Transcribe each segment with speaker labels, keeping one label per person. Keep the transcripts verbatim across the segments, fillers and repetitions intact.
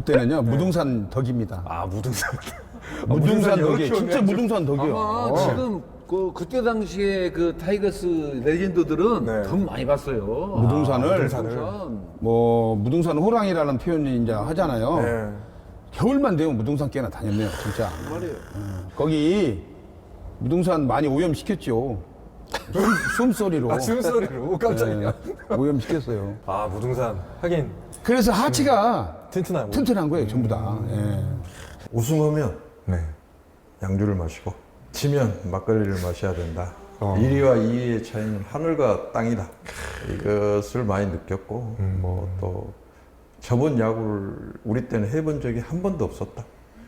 Speaker 1: 그때는요 무등산 덕입니다.
Speaker 2: 아 무등산.
Speaker 1: 무등산 덕이
Speaker 2: 이렇게
Speaker 1: 진짜
Speaker 2: 오네.
Speaker 1: 무등산 덕이요.
Speaker 3: 아마
Speaker 1: 어.
Speaker 3: 지금 그 그때 당시에 그 타이거스 레전드들은
Speaker 2: 네.
Speaker 3: 더 많이 봤어요.
Speaker 1: 무등산을,
Speaker 3: 아,
Speaker 2: 무등산을.
Speaker 3: 무등산.
Speaker 1: 뭐 무등산 호랑이라는 표현이 이제 하잖아요.
Speaker 2: 네.
Speaker 1: 겨울만 되면 무등산 꽤나 다녔네요, 진짜.
Speaker 3: 말이에요.
Speaker 1: 거기 무등산 많이 오염시켰죠. 숨, 숨소리로.
Speaker 2: 아 숨소리로 깜짝이야.
Speaker 1: 네, 오염시켰어요.
Speaker 2: 아 무등산 하긴
Speaker 1: 그래서 하체가
Speaker 2: 튼튼하고.
Speaker 1: 튼튼한 거예요, 전부 다. 예.
Speaker 4: 우승하면
Speaker 2: 네.
Speaker 4: 양주를 마시고 지면 막걸리를 마셔야 된다.
Speaker 2: 어.
Speaker 4: 일 위와 이 위의 차이는 하늘과 땅이다. 이것을 많이 느꼈고
Speaker 2: 음.
Speaker 4: 뭐 또 저번 야구를 우리 때는 해본 적이 한 번도 없었다.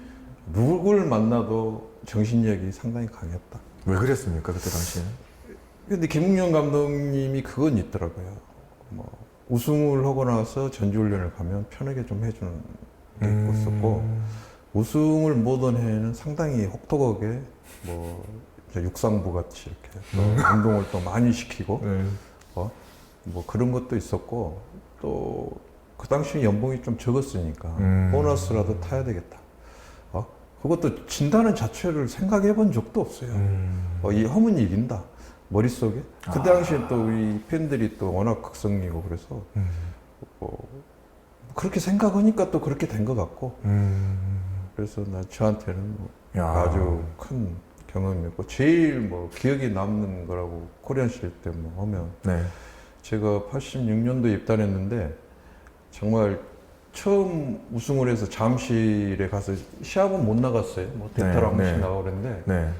Speaker 4: 누굴 만나도 정신력이 상당히 강했다.
Speaker 2: 왜 그랬습니까 그때 당시에는?
Speaker 4: 근데 김웅현 감독님이 그건 있더라고요. 뭐 우승을 하고 나서 전지훈련을 가면 편하게 좀 해주는 게
Speaker 2: 음.
Speaker 4: 있었고 우승을 못한 해에는 상당히 혹독하게 뭐 이제 육상부 같이 이렇게 또 운동을 또 많이 시키고
Speaker 2: 네.
Speaker 4: 어? 뭐 그런 것도 있었고 또 그 당시 연봉이 좀 적었으니까
Speaker 2: 음.
Speaker 4: 보너스라도 타야 되겠다. 어? 그것도 진다는 자체를 생각해 본 적도 없어요.
Speaker 2: 음.
Speaker 4: 어, 이 하면 이긴다. 머릿속에. 그
Speaker 2: 아.
Speaker 4: 당시에 또 우리 팬들이 또 워낙 극성이고 그래서
Speaker 2: 음.
Speaker 4: 어, 그렇게 생각하니까 또 그렇게 된 것 같고
Speaker 2: 음.
Speaker 4: 그래서 나 저한테는 뭐
Speaker 2: 야.
Speaker 4: 아주 큰 경험이었고 제일 뭐 기억에 남는 거라고 코리안 시리즈 때 뭐 하면
Speaker 2: 네.
Speaker 4: 제가 팔십육 년도에 입단했는데 정말 처음 우승을 해서 잠실에 가서 시합은 못 나갔어요. 뭐
Speaker 2: 네,
Speaker 4: 대타를 한 번씩
Speaker 2: 네.
Speaker 4: 나가고 그랬는데
Speaker 2: 네.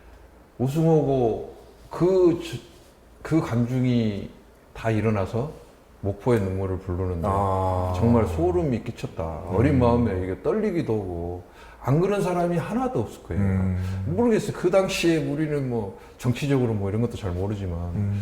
Speaker 4: 우승하고 그, 주- 그 감중이 다 일어나서 목포의 눈물을 부르는데
Speaker 2: 아.
Speaker 4: 정말 소름이 끼쳤다. 어린 마음에 이게 떨리기도 하고 안 그런 사람이 하나도 없을 거예요.
Speaker 2: 음.
Speaker 4: 모르겠어요. 그 당시에 우리는 뭐 정치적으로 뭐 이런 것도 잘 모르지만
Speaker 2: 음.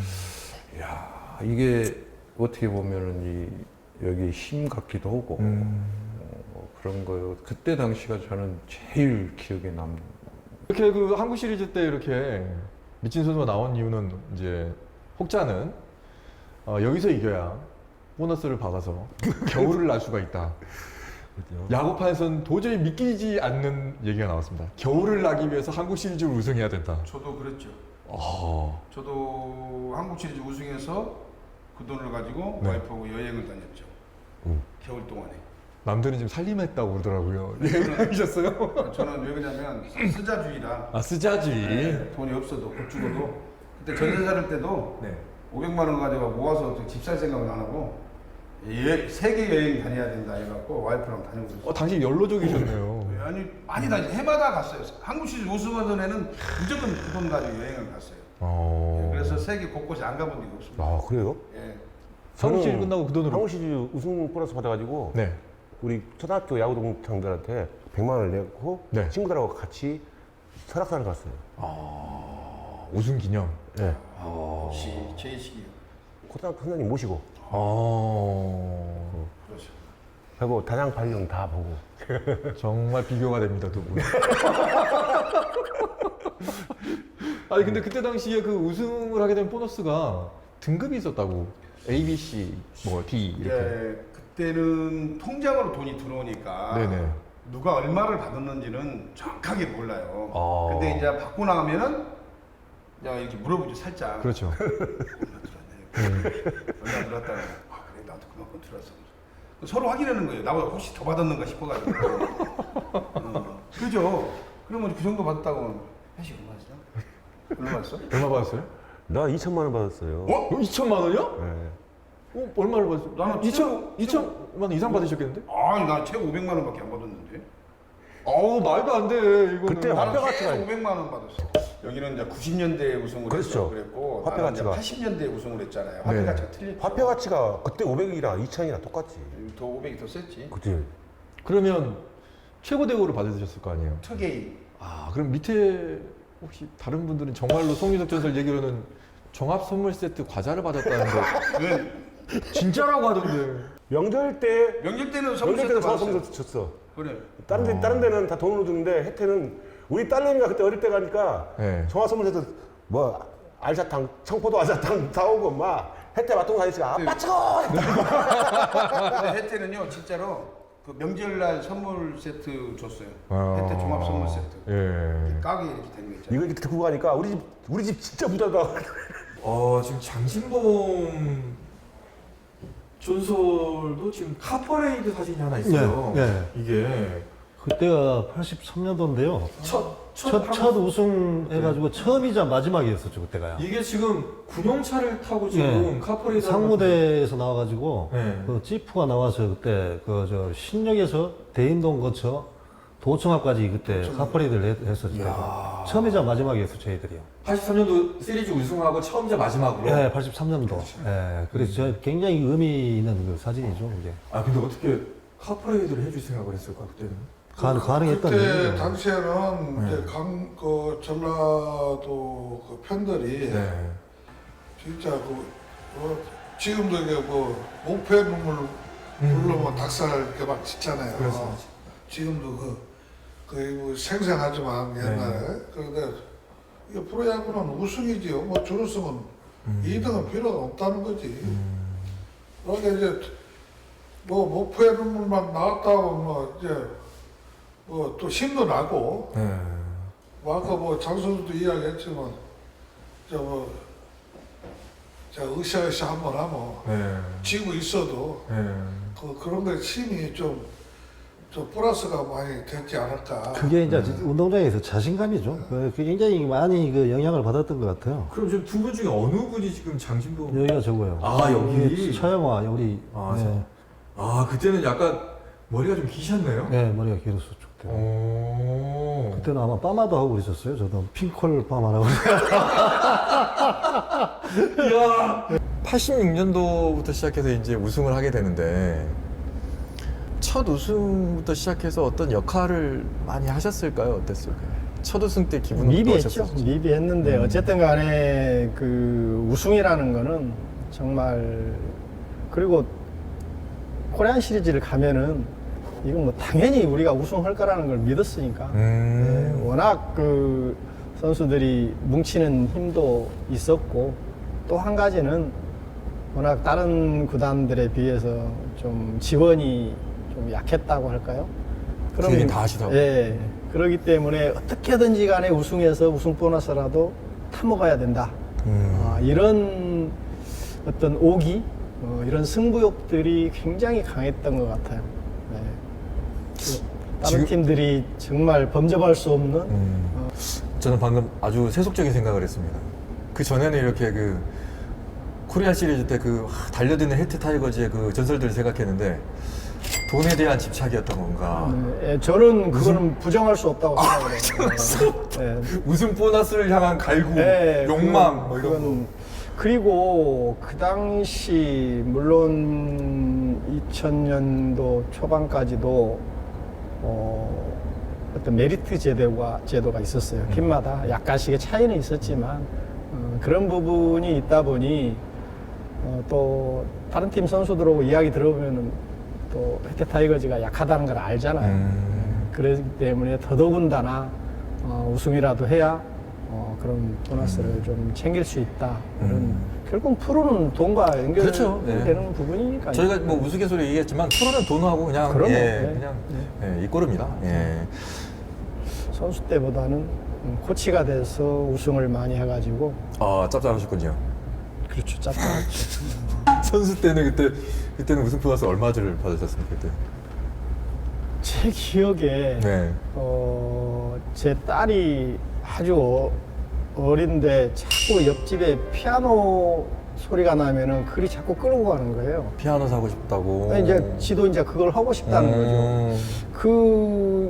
Speaker 4: 야 이게 어떻게 보면은 이 여기 힘 같기도 하고
Speaker 2: 음.
Speaker 4: 어, 그런 거요. 그때 당시가 저는 제일 기억에 남는.
Speaker 2: 이렇게 그 한국 시리즈 때 이렇게 미친 선수가 나온 이유는 이제 혹자는 어, 여기서 이겨야 보너스를 받아서 겨울을 날 수가 있다. 야구판에서는 도저히 믿기지 않는 얘기가 나왔습니다. 겨울을 나기 위해서 한국 시리즈를 우승해야 된다.
Speaker 5: 저도 그랬죠.
Speaker 2: 어.
Speaker 5: 저도 한국 시리즈 우승해서 그 돈을 가지고
Speaker 2: 네.
Speaker 5: 와이프하고 여행을 다녔죠. 겨울 동안에.
Speaker 2: 남들은 지금 살림했다고 그러더라고요. 여행하셨어요?
Speaker 5: 저는 왜 그러냐면 쓰자주의라
Speaker 2: 아 쓰자주의.
Speaker 5: 돈이 없어도 곧 죽어도 그때 전세 살 때도
Speaker 2: 네.
Speaker 5: 오백만 원 가지고 모아서 집 살 생각은 안 하고 예, 세계 여행 다녀야 된다 해갖고 와이프랑 다니고 그랬어요.
Speaker 2: 어 당시 연로족이셨네요.
Speaker 5: 아니 많이 다니 해마다 갔어요. 한국 시리즈 우승하던 애는 무조건 그 돈 가지고 여행을 갔어요.
Speaker 2: 어.
Speaker 5: 그래서 세계 곳곳에 안 가본 적이 없습니다.
Speaker 6: 아 그래요?
Speaker 5: 예.
Speaker 2: 한국 시리즈 끝나고 그 돈으로.
Speaker 6: 한국 시리즈 우승 보너스 받아가지고
Speaker 2: 네.
Speaker 6: 우리 초등학교 야구 동창들한테 백만 원을 내고
Speaker 2: 네.
Speaker 6: 친구들하고 같이 설악산을 갔어요.
Speaker 2: 아 우승 기념.
Speaker 6: 네.
Speaker 5: 시 제이식이요.
Speaker 6: 고등학교 선생님 모시고
Speaker 2: 어.
Speaker 5: 그렇죠.
Speaker 6: 하고 단양 발령 다 보고.
Speaker 2: 정말 비교가 됩니다 두 분. 아니 근데 그때 당시에 그 우승을 하게 된 보너스가 등급이 있었다고. A, B, C, 뭐 D 이렇게.
Speaker 5: 예, 그때는 통장으로 돈이 들어오니까
Speaker 2: 네네.
Speaker 5: 누가 얼마를 받았는지는 정확하게 몰라요.
Speaker 2: 아.
Speaker 5: 근데 이제 받고 나가면은 야 이렇게 물어보죠 살짝.
Speaker 2: 그렇죠.
Speaker 5: 얼마 들었네. 얼마 들었다고. 아 그래 나도 그만큼 들었어. 서로 확인하는 거예요. 나보다 혹시 더 받았는가 싶어가지고. 어, 그죠? 그러면 그 정도 받았다고 회식 얼마 였어? 얼마 받았어?
Speaker 2: 얼마 받았어요?
Speaker 6: 나 이천만 원 받았어요.
Speaker 5: 어?
Speaker 2: 어, 이천만 원이요?
Speaker 6: 네.
Speaker 2: 어, 얼마를 받았어요?
Speaker 5: 나는
Speaker 2: 이천,
Speaker 5: 최고-
Speaker 2: 이천만 원 이상 받으셨겠는데?
Speaker 5: 아니 나 최고 오백만 원밖에 안 받았는데.
Speaker 2: 어우 말도 안 돼. 이거는.
Speaker 6: 그때
Speaker 5: 나는
Speaker 6: 화폐 가치가
Speaker 5: 최고 오백만 원 받았어. 여기는 이제 구십 년대에 우승을
Speaker 6: 그렇죠.
Speaker 5: 했어 그랬고
Speaker 6: 화폐
Speaker 5: 나는 이제
Speaker 6: 가치가.
Speaker 5: 팔십 년대에 우승을 했잖아요. 화폐
Speaker 2: 네.
Speaker 5: 가치가 틀렸죠.
Speaker 6: 화폐 가치가 그때 오백이랑 이천이랑 똑같지.
Speaker 5: 더 오백이 더 셌지.
Speaker 6: 그치?
Speaker 2: 그러면 최고 대우를 받으셨을 거 아니에요?
Speaker 5: 투게임.
Speaker 2: 아 그럼 밑에 혹시 다른 분들은 정말로 송유석 전설 얘기로는 종합 선물 세트 과자를 받았다는데
Speaker 5: 그
Speaker 2: 진짜라고 하던데.
Speaker 6: 명절 때
Speaker 5: 명절 때는 선물
Speaker 6: 명절
Speaker 5: 세트
Speaker 6: 때는 저
Speaker 5: 받았어요.
Speaker 6: 선물 줬어.
Speaker 5: 그래.
Speaker 6: 다른 데 다른 데는 다 돈으로 주는데 혜태는 우리 딸내미가 그때 어릴 때 가니까
Speaker 2: 네.
Speaker 6: 종합 선물에서 뭐 알사탕, 청포도 알사탕 사오고 막 혜태 맞동 가니까 아빠 찍어.
Speaker 5: 근데 혜태는요 진짜로 그 명절날 선물 세트 줬어요.
Speaker 2: 아.
Speaker 5: 혜태 종합 선물 세트.
Speaker 2: 예.
Speaker 5: 깍이 이렇게 된 거 있잖아요.
Speaker 6: 이거 이렇게 듣고 가니까 우리 집 우리 집 진짜 부자다.
Speaker 2: 어, 지금 장신범 전설도 지금 카퍼레이드 사진이 하나 있어요.
Speaker 7: 네, 네.
Speaker 2: 이게
Speaker 7: 그때가 팔십삼 년도인데요.
Speaker 2: 첫, 첫,
Speaker 7: 첫,
Speaker 2: 한국-
Speaker 7: 첫 우승 해가지고 처음이자 마지막이었었죠, 그때가요.
Speaker 2: 이게 지금 군용차를 타고 지금 카퍼레이드
Speaker 7: 상무대에서 나와가지고
Speaker 2: 네.
Speaker 7: 그 지프가 나와서 그때 그 저 신역에서 대인동 거쳐 도청 앞까지 그때 카퍼레이드를 했- 했었죠. 처음이자 마지막이었어 저희들이요.
Speaker 2: 팔십삼 년도 시리즈 우승하고 처음이자 마지막으로.
Speaker 7: 네, 팔십삼 년도. 예, 그래서 저 굉장히 의미 있는 그 사진이죠, 이게.
Speaker 2: 아 근데 어떻게 카퍼레이드를 해줄 생각을 했을까 그때는?
Speaker 7: 가, 가능했던
Speaker 8: 그때
Speaker 7: 얘기죠.
Speaker 8: 당시에는
Speaker 2: 네.
Speaker 8: 이제 강, 그 전라도 그 편들이
Speaker 2: 네.
Speaker 8: 진짜 그 뭐 지금도 이게 뭐 목포의 눈물 부르면 닭살 이렇게 막 짓잖아요.
Speaker 2: 음. 그렇습니다.
Speaker 8: 지금도 그 거의 뭐 생생하지만 옛날에
Speaker 2: 네.
Speaker 8: 그런데 이 프로야구는 우승이지요. 뭐 준우승은
Speaker 2: 음.
Speaker 8: 이 등은 필요가 없다는 거지. 그러니까 이제 뭐 목포의 눈물만 나왔다고 뭐 이제 뭐 또 힘도 나고
Speaker 2: 네.
Speaker 8: 뭐 아까 뭐 장선수도 이야기했지만 저뭐 자 으쌰으쌰 한번 하면
Speaker 2: 네.
Speaker 8: 지고 있어도
Speaker 2: 네.
Speaker 8: 그 그런 게 힘이 좀, 좀 플러스가 많이 됐지 않을까.
Speaker 7: 그게 이제 운동장에서 자신감이죠. 그 굉장히 많이 그 영향을 받았던 것 같아요.
Speaker 2: 그럼 지금 두 분 중에 어느 분이 지금 장신범?
Speaker 7: 여기가 저거요.
Speaker 2: 아, 여기?
Speaker 7: 이게 차영화, 우리.
Speaker 2: 아,
Speaker 7: 네.
Speaker 2: 아 그때는 약간 머리가 좀 기셨네요.
Speaker 7: 네, 머리가 길었었죠. 그때.
Speaker 2: 오.
Speaker 7: 그때는 아마 파마도 하고 그랬었어요. 저도 핑콜 파마라고.
Speaker 2: 이야. 팔십육 년도부터 시작해서 이제 우승을 하게 되는데 첫 우승부터 시작해서 어떤 역할을 많이 하셨을까요? 어땠을까요? 첫 우승 때 기분은
Speaker 9: 미비했죠.
Speaker 2: 어떠셨을지?
Speaker 9: 미비했는데
Speaker 2: 음.
Speaker 9: 어쨌든 간에 그 우승이라는 거는 정말 그리고 코리안 시리즈를 가면은 이건 뭐 당연히 우리가 우승할 거라는 걸 믿었으니까
Speaker 2: 음.
Speaker 9: 네, 워낙 그 선수들이 뭉치는 힘도 있었고 또 한 가지는 워낙 다른 구단들에 비해서 좀 지원이 좀 약했다고 할까요?
Speaker 2: 지원이 다 하시다고?
Speaker 9: 예. 그렇기 때문에 어떻게든지 간에 우승해서 우승 보너스라도 타먹어야 된다.
Speaker 2: 음.
Speaker 9: 아, 이런 어떤 오기, 어, 이런 승부욕들이 굉장히 강했던 것 같아요. 네. 그 다른
Speaker 2: 지금-
Speaker 9: 팀들이 정말 범접할 수 없는
Speaker 2: 음. 저는 방금 아주 세속적인 생각을 했습니다. 그 전에는 이렇게 그 코리안 시리즈 때 그 달려드는 혜태 타이거즈의 그 전설들을 생각했는데 돈에 대한 집착이었던 건가.
Speaker 9: 네, 예, 저는 그거는 부정할 수 없다고 생각을 해요. 네.
Speaker 2: 우승 보너스를 향한 갈구,
Speaker 9: 네,
Speaker 2: 욕망
Speaker 9: 그건-
Speaker 2: 뭐 이런 거.
Speaker 9: 그건- 그리고 그 당시 물론 이천 년도 초반까지도 어, 어떤 메리트 제도가 제도가 있었어요.
Speaker 2: 음.
Speaker 9: 팀마다 약간씩의 차이는 있었지만 어, 그런 부분이 있다 보니 어, 또 다른 팀 선수들하고 이야기 들어보면은 또 혜태 타이거즈가 약하다는 걸 알잖아요.
Speaker 2: 음.
Speaker 9: 그렇기 때문에 더더군다나 어, 우승이라도 해야 어, 그런 보너스를
Speaker 2: 음.
Speaker 9: 좀 챙길 수 있다. 그런 결국 프로는 돈과 연결되는
Speaker 2: 그렇죠. 네.
Speaker 9: 부분이니까.
Speaker 2: 저희가 뭐 우스갯소리 얘기했지만 프로는 돈하고 그냥
Speaker 9: 그럼요.
Speaker 2: 예,
Speaker 9: 네.
Speaker 2: 그냥 예, 이 꼴입니다. 예.
Speaker 9: 선수 때보다는 음, 코치가 돼서 우승을 많이 해가지고
Speaker 2: 아 짭짤하셨군요.
Speaker 9: 그렇죠. 짭짤했죠.
Speaker 2: 선수 때는 그때 그때는 우승 보너스 얼마를 받으셨습니까 그때?
Speaker 9: 제 기억에
Speaker 2: 네.
Speaker 9: 어, 제 딸이 아주 어, 어린데 자꾸 옆집에 피아노 소리가 나면은 그리 자꾸 끌고 가는 거예요.
Speaker 2: 피아노 사고 싶다고.
Speaker 9: 이제 지도 이제 그걸 하고 싶다는 거죠.
Speaker 2: 음.
Speaker 9: 그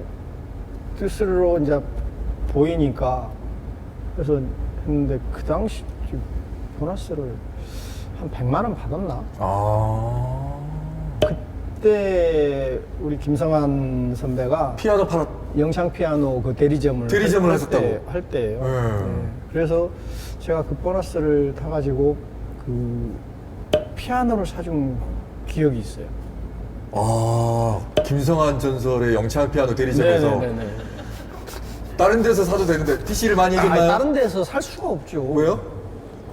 Speaker 9: 뜻으로 이제 보이니까 그래서 했는데 그 당시 보너스를 한 백만 원 받았나?
Speaker 2: 아.
Speaker 9: 그때 우리 김성환 선배가
Speaker 2: 피아노 팔았.
Speaker 9: 영창 피아노 그 대리점을
Speaker 2: 대리점을
Speaker 9: 할
Speaker 2: 하셨다고?
Speaker 9: 때, 할 때예요.
Speaker 2: 음.
Speaker 9: 네. 그래서 제가 그 보너스를 타가지고 그 피아노를 사준 기억이 있어요.
Speaker 2: 아 김성환 전설의 영창 피아노 대리점에서
Speaker 9: 네네네.
Speaker 2: 다른 데서 사도 되는데 티씨를 많이
Speaker 9: 아,
Speaker 2: 해줬나요?
Speaker 9: 다른 데서 살 수가 없죠.
Speaker 2: 왜요?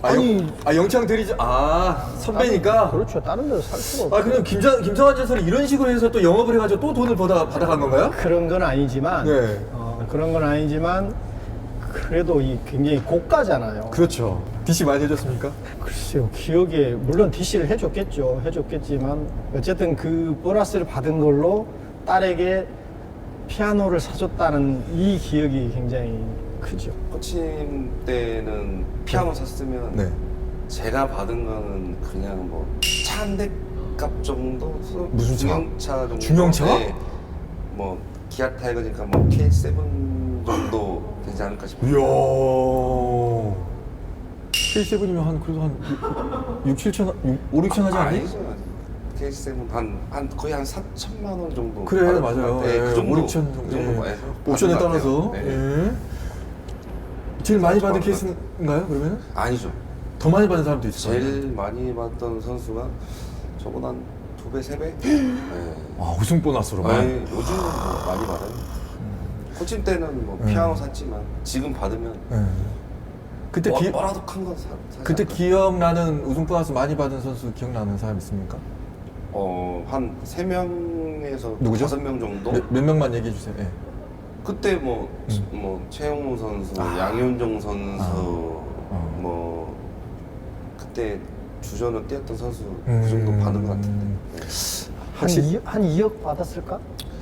Speaker 2: 아니, 아 영창 대리죠. 아 선배니까.
Speaker 9: 그렇죠. 다른 데서 살 수가 없고.
Speaker 2: 아 그럼 김장 김성환 전설이 이런 식으로 해서 또 영업을 해가지고 또 돈을 받아 받아간 건가요?
Speaker 9: 그런 건 아니지만
Speaker 2: 네.
Speaker 9: 어, 그런 건 아니지만 그래도 이 굉장히 고가잖아요.
Speaker 2: 그렇죠. 디씨 많이 해줬습니까?
Speaker 9: 글쎄요, 기억에 물론 디씨를 해줬겠죠. 해줬겠지만 어쨌든 그 보너스를 받은 걸로 딸에게 피아노를 사줬다는 이 기억이 굉장히 크죠.
Speaker 10: 코치님 때는 피아노 샀으면
Speaker 2: 네.
Speaker 10: 제가 받은 거는 그냥 뭐 차 한 대 값 정도?
Speaker 2: 무슨 차?
Speaker 10: 중형차 정도?
Speaker 2: 중형차?
Speaker 10: 네. 뭐 기아 타이거니까 뭐 케이 세븐 정도 되지 않을까 싶어요.
Speaker 2: 이야. 케이 세븐이면 한 그래도 한 육, 칠천, 오, 육천 하지 않니?
Speaker 10: 아니죠. 케이 세븐 한, 한 거의 한 사천만 원 정도.
Speaker 2: 그래
Speaker 10: 받은
Speaker 2: 맞아요.
Speaker 10: 것 같아요. 네, 그 정도.
Speaker 2: 오, 육천 정도.
Speaker 10: 그 정도
Speaker 2: 예.
Speaker 10: 해서
Speaker 2: 옵션에
Speaker 10: 받은 것
Speaker 2: 따라서.
Speaker 10: 같아요. 네.
Speaker 2: 예. 제일 많이 받은
Speaker 10: 받은 것
Speaker 2: 케이스인가요? 그러면?
Speaker 10: 아니죠.
Speaker 2: 더 많이 받은 사람도 있어요.
Speaker 10: 제일 많이 받던 선수가 저보다 한 두 배, 세 배? 네.
Speaker 2: 아 우승 보너스로만.
Speaker 10: 아니, 요즘은 뭐 많이 받아요. 코칭 때는 뭐 피아노 샀지만 지금 받으면
Speaker 2: 예. 그때
Speaker 10: 뭐,
Speaker 2: 기
Speaker 10: 뭐라도 큰 건 사. 사지
Speaker 2: 그때
Speaker 10: 않을까?
Speaker 2: 기억나는 우승 보너스 많이 받은 선수 기억나는 사람 있습니까?
Speaker 10: 어, 한 세 명에서
Speaker 2: 누구죠?
Speaker 10: 다섯 명 정도.
Speaker 2: 몇, 몇 명만 얘기해 주세요. 예.
Speaker 10: 그때 뭐, 뭐 최영우 선수, 양현종 선수, 뭐 그때 주전으로 뛰었던 선수 그 정도 받은 것 같은데. 네.
Speaker 9: 한, 이, 한 이억 받았을까?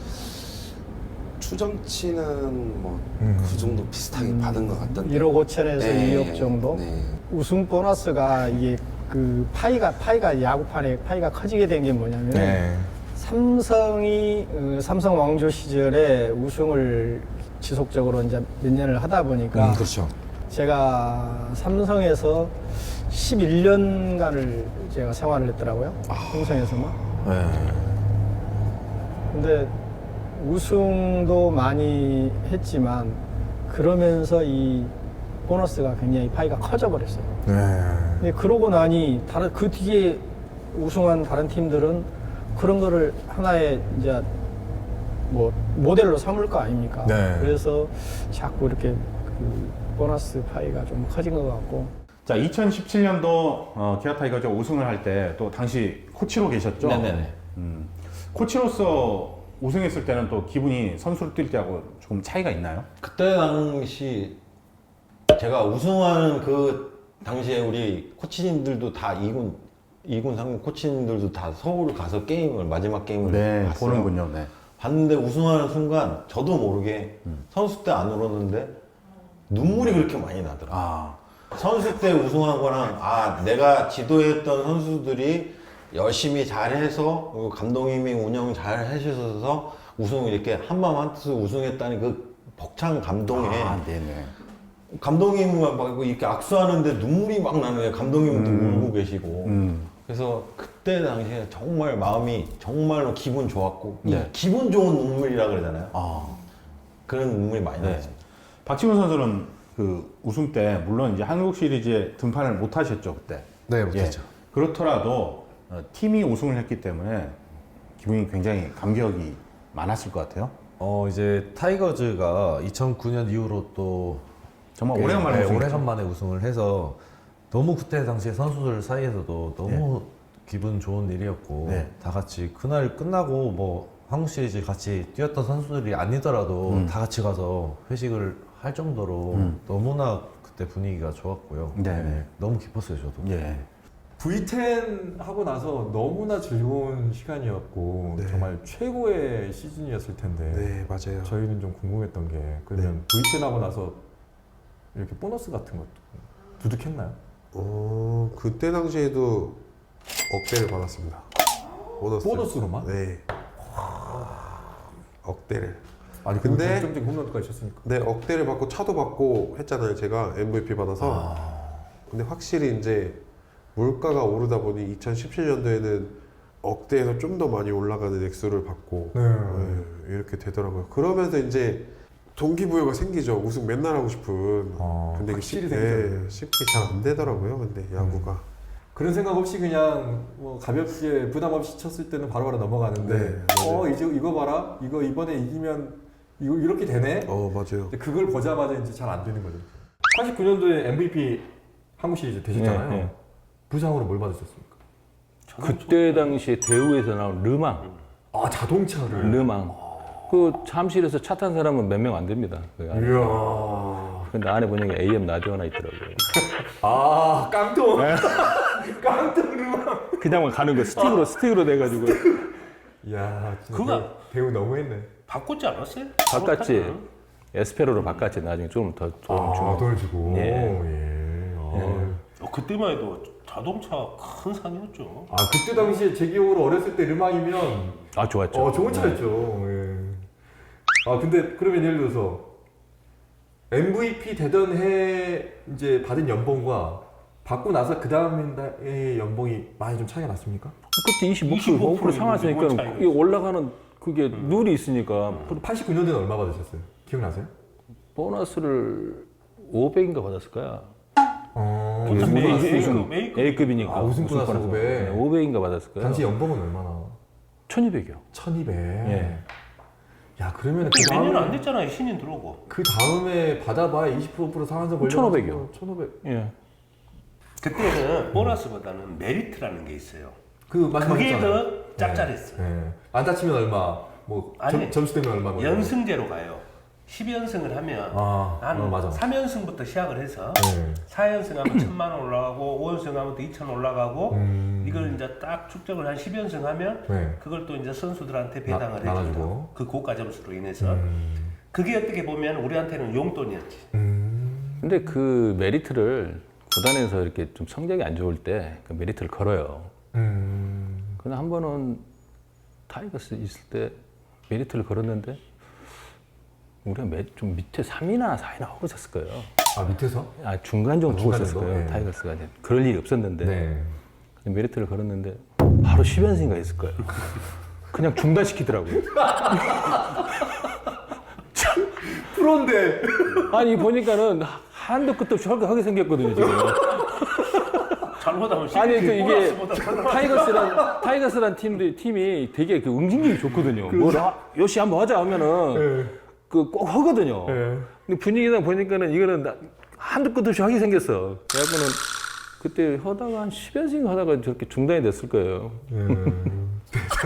Speaker 10: 추정치는 뭐 그 정도 비슷하게 받은 것 같던데.
Speaker 9: 일억 오천에서
Speaker 10: 네,
Speaker 9: 이억 정도?
Speaker 10: 네.
Speaker 9: 우승 보너스가 이게 그 파이가 파이가 야구판에 파이가 커지게 된 게 뭐냐면
Speaker 2: 네.
Speaker 9: 삼성이 어, 삼성 왕조 시절에 우승을 지속적으로 이제 몇 년을 하다 보니까
Speaker 2: 그렇죠.
Speaker 9: 제가 삼성에서 십일 년간을 제가 생활을 했더라고요. 삼성에서만.
Speaker 2: 네.
Speaker 9: 근데 우승도 많이 했지만 그러면서 이 보너스가 굉장히 파이가 커져 버렸어요.
Speaker 2: 네.
Speaker 9: 근데 그러고 나니 다른 그 뒤에 우승한 다른 팀들은 그런 거를 하나의 이제 뭐 모델로 삼을 거 아닙니까?
Speaker 2: 네.
Speaker 9: 그래서 자꾸 이렇게 그 보너스 파이가 좀 커진 것 같고.
Speaker 11: 자, 이천십칠 년도 어, 기아 타이거즈 우승을 할 때 또 당시 코치로 계셨죠?
Speaker 3: 네네네.
Speaker 11: 음, 코치로서 우승했을 때는 또 기분이 선수로 뛸 때하고 조금 차이가 있나요?
Speaker 3: 그때 당시 제가 우승하는 그 당시에 우리 코치님들도 다 이군 이군 삼군 코치님들도 다 서울 가서 게임을 마지막 게임을
Speaker 11: 네,
Speaker 3: 봤어요.
Speaker 11: 보는군요. 네.
Speaker 3: 봤는데 우승하는 순간 저도 모르게 선수 때 안 울었는데 눈물이 그렇게 많이 나더라고요.
Speaker 11: 아,
Speaker 3: 선수 때 우승한 거랑 아 내가 지도했던 선수들이 열심히 잘해서 그리고 감독님이 운영 잘 해주셔서 우승을 이렇게 한마음 한뜻으로 우승했다는 그 벅찬 감동에
Speaker 11: 아, 네네.
Speaker 3: 감독님은 막 이렇게 악수하는데 눈물이 막 나는 거예요. 감독님은 또
Speaker 11: 음.
Speaker 3: 울고 계시고.
Speaker 11: 음.
Speaker 3: 그래서 그때 당시에 정말 마음이 정말로 기분 좋았고 이
Speaker 11: 네.
Speaker 3: 기분 좋은 눈물이라 그러잖아요.
Speaker 11: 아,
Speaker 3: 그런 눈물이 많이
Speaker 11: 네.
Speaker 3: 나왔습니다.
Speaker 11: 박지훈 선수는 그 우승 때 물론 이제 한국 시리즈에 등판을 못 하셨죠 그때.
Speaker 2: 네, 못했죠.
Speaker 11: 예. 그렇더라도 어, 팀이 우승을 했기 때문에 기분이 굉장히 감격이 많았을 것 같아요.
Speaker 12: 어 이제 타이거즈가 이천구 년 이후로 또
Speaker 11: 정말
Speaker 12: 꽤,
Speaker 11: 오래간만에
Speaker 12: 네,
Speaker 11: 우승했죠.
Speaker 12: 오래간만에 우승을 해서 너무 그때 당시에 선수들 사이에서도 너무 기분 좋은 일이었고
Speaker 11: 네.
Speaker 12: 다 같이 그날 끝나고 뭐 한국 시리즈 같이 뛰었던 선수들이 아니더라도
Speaker 11: 음.
Speaker 12: 다 같이 가서 회식을 할 정도로
Speaker 11: 음.
Speaker 12: 너무나 그때 분위기가 좋았고요.
Speaker 11: 네.
Speaker 12: 너무 기뻤어요 저도.
Speaker 11: 예.
Speaker 2: 브이 텐 하고 나서 너무나 즐거운 시간이었고
Speaker 6: 네.
Speaker 2: 정말 최고의 시즌이었을 텐데
Speaker 6: 네, 맞아요.
Speaker 2: 저희는 좀 궁금했던 게 그러면 브이 텐 하고 나서 이렇게 보너스 같은 것도 두둑했나요?
Speaker 6: 어, 그때 당시에도 억대를 받았습니다. 보너스.
Speaker 2: 보너스로만?
Speaker 6: 네. 억대를.
Speaker 2: 아니
Speaker 6: 근데-
Speaker 2: 근데 점점 홈런까지 쳤으니까.
Speaker 6: 네, 억대를 받고 차도 받고 했잖아요. 제가 엠브이피 받아서. 근데 확실히 이제 물가가 오르다 보니 이천십칠 년도에는 억대에서 좀 더 많이 올라가는 액수를 받고
Speaker 2: 네.
Speaker 6: 네, 이렇게 되더라고요. 그러면서 이제 동기부여가 생기죠. 우승 맨날 하고 싶은.
Speaker 2: 어,
Speaker 6: 근데 이게
Speaker 2: 확실히
Speaker 6: 쉽-
Speaker 2: 생기죠.
Speaker 6: 네, 쉽게 잘 안 되더라고요. 근데 야구가.
Speaker 2: 그런 생각 없이 그냥 뭐 가볍게 부담 없이 쳤을 때는 바로바로 넘어가는데
Speaker 6: 네,
Speaker 2: 어
Speaker 6: 맞아요.
Speaker 2: 이제 이거 봐라 이거 이번에 이기면 이거 이렇게 되네.
Speaker 6: 어, 맞아요.
Speaker 2: 근데 그걸 보자마자 이제 잘 안 되는 거죠. 팔십구 년도에 엠브이피 한국 시리즈 되셨잖아요.
Speaker 13: 네, 네.
Speaker 2: 부상으로 뭘 받으셨습니까?
Speaker 13: 그때 당시에 대우에서 나온 르망.
Speaker 2: 아 자동차를.
Speaker 13: 르망. 그 잠실에서 차 탄 사람은 몇 명 안 됩니다. 그 안에.
Speaker 2: 이야.
Speaker 13: 근데 안에 보니까 에이엠 라디오 하나 있더라고요.
Speaker 2: 아 깡통.
Speaker 13: 네.
Speaker 2: 깡통 르망.
Speaker 13: 그냥 가는 거 스틱으로 스틱으로 돼가지고.
Speaker 2: 이야 진짜
Speaker 14: 그거
Speaker 2: 대우, 대우 너무했네.
Speaker 14: 바꿨지 않았어요?
Speaker 13: 바꿨지. 에스페로로 바꿨지. 나중에 좀 더 돈
Speaker 2: 아,
Speaker 13: 주고.
Speaker 2: 돈을 주고.
Speaker 13: 예.
Speaker 2: 예. 아.
Speaker 14: 어, 그때만 해도 자동차 큰 상이었죠.
Speaker 2: 아 그때 당시에 제 기억으로 어렸을 때 르망이면
Speaker 13: 아 좋았죠.
Speaker 2: 어 좋은 차였죠. 예. 아 근데 그러면 예를 들어서 엠브이피 되던 해 이제 받은 연봉과 받고 나서 그 다음 해의 연봉이 많이 좀 차이가 났습니까?
Speaker 13: 그때 이십오 퍼센트 상하니까 이게 올라가는 그게
Speaker 2: 음.
Speaker 13: 룰이 있으니까.
Speaker 2: 팔십구 년도는 얼마 받으셨어요? 기억나세요?
Speaker 13: 보너스를 오백인가 받았을 거야.
Speaker 2: 어.
Speaker 13: 그게
Speaker 2: 우승 보너스.
Speaker 13: 우승,
Speaker 2: A급.
Speaker 13: A급이니까.
Speaker 2: 아, 우승 보너스 오백.
Speaker 13: 오백인가 받았을 거야.
Speaker 2: 당시 연봉은 얼마나?
Speaker 13: 천이백이요.
Speaker 2: 천이백.
Speaker 13: 예.
Speaker 2: 야 그러면
Speaker 14: 그 몇 년 안 됐잖아요. 신인 들어오고.
Speaker 2: 그 다음에 받아봐야 이십 퍼센트 상한선 걸려.
Speaker 13: 천오백이요.
Speaker 2: 천오백.
Speaker 13: 예.
Speaker 14: 그때는 보너스보다는 메리트라는 게 있어요.
Speaker 2: 그
Speaker 14: 그게 더 짭짤했어요.
Speaker 2: 네. 네. 안 다치면 얼마, 뭐
Speaker 14: 아니,
Speaker 2: 점, 점수 되면 얼마. 뭐
Speaker 14: 연승제로 가요. 십 연승을 하면
Speaker 2: 아,
Speaker 14: 한
Speaker 2: 어, 맞아.
Speaker 14: 삼 연승부터 시작을 해서
Speaker 2: 네.
Speaker 14: 사 연승하면 천만 원 올라가고 오 연승하면 또 이천 올라가고
Speaker 2: 음.
Speaker 14: 이걸 이제 딱 축적을 한 십 연승하면
Speaker 2: 네.
Speaker 14: 그걸 또 이제 선수들한테 배당을
Speaker 2: 나-
Speaker 14: 해준다.
Speaker 2: 나눠주고.
Speaker 14: 그 고가 점수로 인해서
Speaker 2: 음.
Speaker 14: 그게 어떻게 보면 우리한테는 용돈이었지.
Speaker 2: 음.
Speaker 13: 근데 그 메리트를 구단에서 이렇게 좀 성적이 안 좋을 때 그 메리트를 걸어요.
Speaker 2: 음.
Speaker 13: 근데 한 번은 타이거스 있을 때 메리트를 걸었는데 우리가 매, 좀 밑에 삼이나 사이나 하고 있었을 거예요.
Speaker 2: 아 밑에서?
Speaker 13: 아 중간 정도
Speaker 2: 아,
Speaker 13: 두고
Speaker 2: 중간
Speaker 13: 있었을
Speaker 2: 정도?
Speaker 13: 거예요.
Speaker 2: 네.
Speaker 13: 타이거스가 이제 그럴 일이 없었는데
Speaker 2: 네.
Speaker 13: 메리트를 걸었는데 바로 십 연승인가 했을 거예요. 그냥 중단시키더라고요.
Speaker 2: 프로인데.
Speaker 13: 아니 보니까는 한도 끝도 없이 헐거하게 생겼거든요 지금.
Speaker 14: 잘못하면
Speaker 13: 아니 그 이게
Speaker 14: 보너스보다
Speaker 13: 타이거스란 타이거스란 팀들 팀이 되게 그 응징력이 좋거든요. 뭐 요시 한번 하자 하면은
Speaker 2: 네.
Speaker 13: 그 꼭 하거든요.
Speaker 2: 네.
Speaker 13: 근데 분위기상 보니까는 이거는 나- 한도 끝도 없이 하게 생겼어. 그래갖고는 그때 하다가 한 십 연승 하다가 저렇게 중단이 됐을 거예요.
Speaker 2: 음.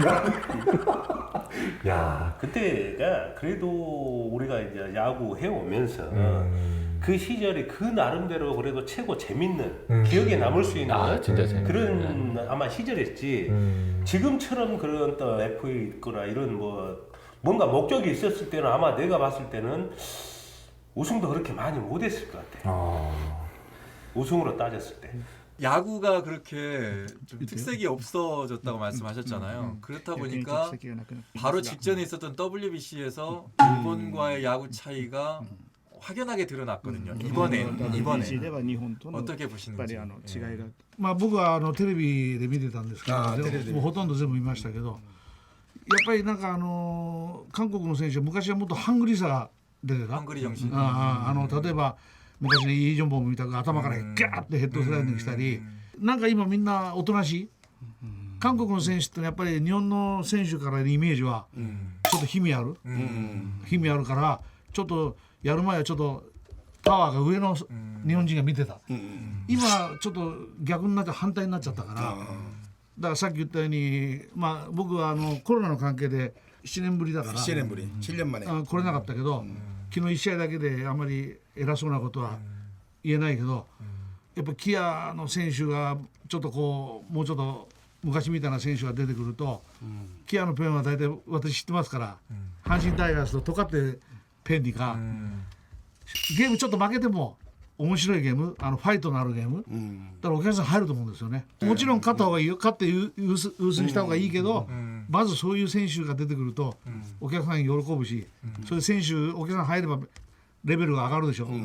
Speaker 2: 야.
Speaker 14: 그때가 그래도 우리가 이제 야구 해오면서
Speaker 2: 음.
Speaker 14: 그 시절이 그 나름대로 그래도 최고 재밌는
Speaker 2: 음.
Speaker 14: 기억에 남을 수 있는
Speaker 13: 아, 진짜 재밌네.
Speaker 14: 그런 아마 시절이었지.
Speaker 2: 음.
Speaker 14: 지금처럼 그런 또 에프에이 있거나 이런 뭐 뭔가 목적이 있었을 때는 아마 내가 봤을 때는 우승도 그렇게 많이 못했을 것 같아.
Speaker 2: 아.
Speaker 14: 우승으로 따졌을 때.
Speaker 15: 야구가 그렇게 좀 특색이 없어졌다고 말씀하셨잖아요. 그렇다 보니까 바로 직전에 있었던 더블유비씨에서 일본과의 야구 차이가 확연하게 드러났거든요. 이번에 이번에 어떻게 보시는지.
Speaker 8: まあ僕はあのテレビで見てたんですけど、
Speaker 5: あーテレビで
Speaker 8: もうほとんど全部見ましたけど、やっぱりなんかあの韓国の選手は昔はもっとハングリーさが出てた。
Speaker 15: ハングリー精神。
Speaker 8: あああの例えば昔のイ・ジョンボムみたく頭からガーッてヘッドスライディングしたり、なんか今みんなおとなしい。韓国の選手ってやっぱり日本の選手からのイメージはちょっと힘이ある、힘이あるからちょっとやる前はちょっとパワーが上の日本人が見てた、今ちょっと逆になって反対になっちゃったから、だからさっき言ったように、まあ、僕はあのコロナの関係でななねんぶりだから
Speaker 5: ななねんぶりななねんまで
Speaker 8: あ来れなかったけど、昨日いち試合だけであんまり偉そうなことは言えないけど、やっぱキアの選手がちょっとこうもうちょっと昔みたいな選手が出てくると、キアのペンは大体私知ってますから、阪神タイガースとトカってペンにか、ゲームちょっと負けても面白いゲーム、あのファイトのあるゲーム、だからお客さん入ると思うんですよね。もちろん勝った方がいいよ、勝って優優先した方がいいけど、まずそういう選手が出てくるとお客さん喜ぶし、それで選手お客さん入ればレベルが上がるでしょ。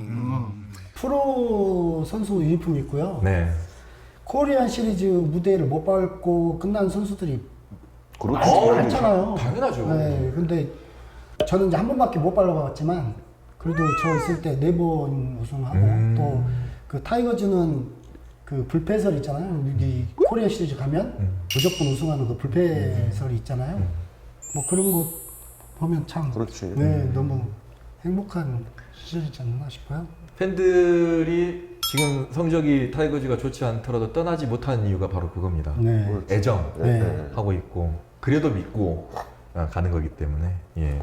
Speaker 16: 프로 선수 유니폼 있고요.
Speaker 2: 네.
Speaker 16: 코리안 시리즈 무대를 못 밟고 끝난 선수들이
Speaker 2: 그렇죠.
Speaker 16: 많,
Speaker 2: 어,
Speaker 16: 많잖아요.
Speaker 2: 당연하죠.
Speaker 16: 네, 근데 저는 이제 한 번밖에 못 밟아봤지만 그래도 저 있을 때 네 번 우승하고
Speaker 2: 음.
Speaker 16: 또 그 타이거즈는 그 불패설 있잖아요. 여기 코리안 시리즈 가면
Speaker 2: 음.
Speaker 16: 무조건 우승하는 그 불패설이 있잖아요.
Speaker 2: 음.
Speaker 16: 뭐 그런 거 보면 참
Speaker 3: 그렇지.
Speaker 16: 네, 너무 행복한 시절이지 않나 싶어요.
Speaker 2: 팬들이 지금 성적이 타이거즈가 좋지 않더라도 떠나지 못하는 이유가 바로 그겁니다.
Speaker 16: 네.
Speaker 2: 애정하고
Speaker 16: 네.
Speaker 2: 있고 그래도 믿고 가는 거기 때문에 예.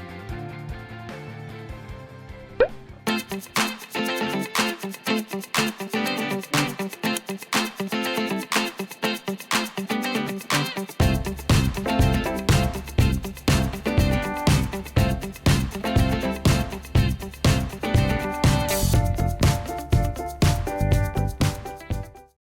Speaker 17: Thank you.